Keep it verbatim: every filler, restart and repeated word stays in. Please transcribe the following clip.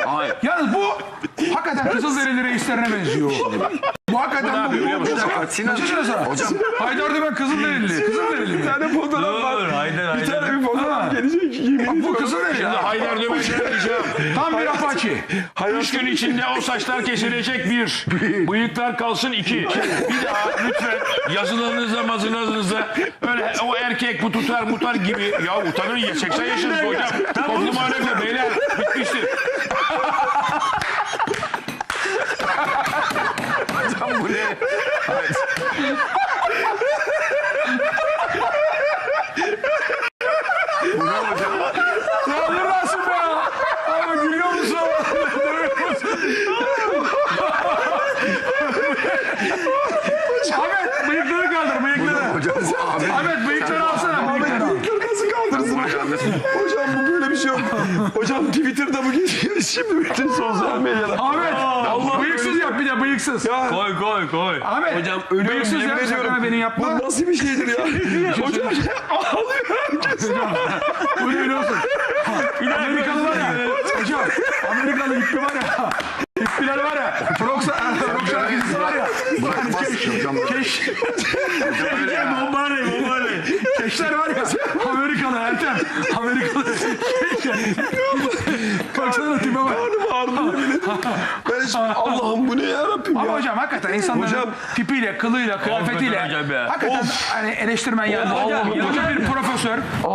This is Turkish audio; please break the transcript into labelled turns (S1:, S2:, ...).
S1: Hayır.
S2: Yalnız bu hakikaten Kızılderili reislerine benziyor. Bu hakikaten bu. Bu Kaçıncı sana?
S1: Hocam.
S2: Haydar Dümen Kızılderili. Kızılderili mi?
S3: Bir tane fotoğraf var.
S4: Haydar,
S3: Bir tane
S4: Haydar.
S3: bir fotoğraf gelecek. Yemin
S2: Bak bu
S3: ediyorum.
S2: Kızılderili.
S5: Haydar Dümen'e diyeceğim.
S2: Tam bir apaçi.
S5: Üç gün içinde o saçlar kesilecek bir. Bıyıklar kalsın iki. Bir daha lütfen yazılarınızda mazılarınızda öyle o erkek bu tutar mutar gibi. Ya utanın ya seksen yaşınız hocam. Toplum alemi beyler bitmiştir.
S1: Hocam bu ne?
S2: Ya dur Rasim ya. Ama gülüyor musun? Ahmet bıyıkları kaldır bıyıkları.
S1: Hocam bu Ahmet.
S2: Ahmet bıyıkları alsana bıyıkları. al.
S3: Bıyıkları nasıl kaldırsın hocam? Hocam bu böyle bir şey yok. Hocam Twitter'da bu geçiyor. Şimdi bütün sosyal medyada.
S2: Ahmet bıyıksız yap bir de bıyıksız.
S3: Ya
S4: Koy koy koy.
S2: Ahmet
S3: hocam ölüyorum
S2: bıyıksız
S3: yemin
S2: yap
S3: ediyorum.
S2: sakın beni yapma.
S3: Bu nasıl bir şeydir ya? Hocam ağlıyor herkes.
S2: Bu ne biliyorsun? Amerikalı var ya. Hocam Amerikalı hippi var ya. Hippiler var ya. Rock şarkıcısı var ya.
S1: Bırakmaz hocam.
S2: Keş.
S4: Bombare bombare.
S2: Keşler var ya. Amerikalı Ertem. Amerikalı. Baksana tipe bak.
S3: Karnım ağrıdı yemin ediyorum. Ben şimdi Allah'ım bu ne yarabbim ya.
S2: Ama hocam hakikaten insanların
S3: Hocam-
S2: tipiyle, kılıyla, kıyafetiyle
S4: hocam ya.
S2: hakikaten hani eleştirmen yani.
S3: Allah'ım
S2: Hocam bir profesör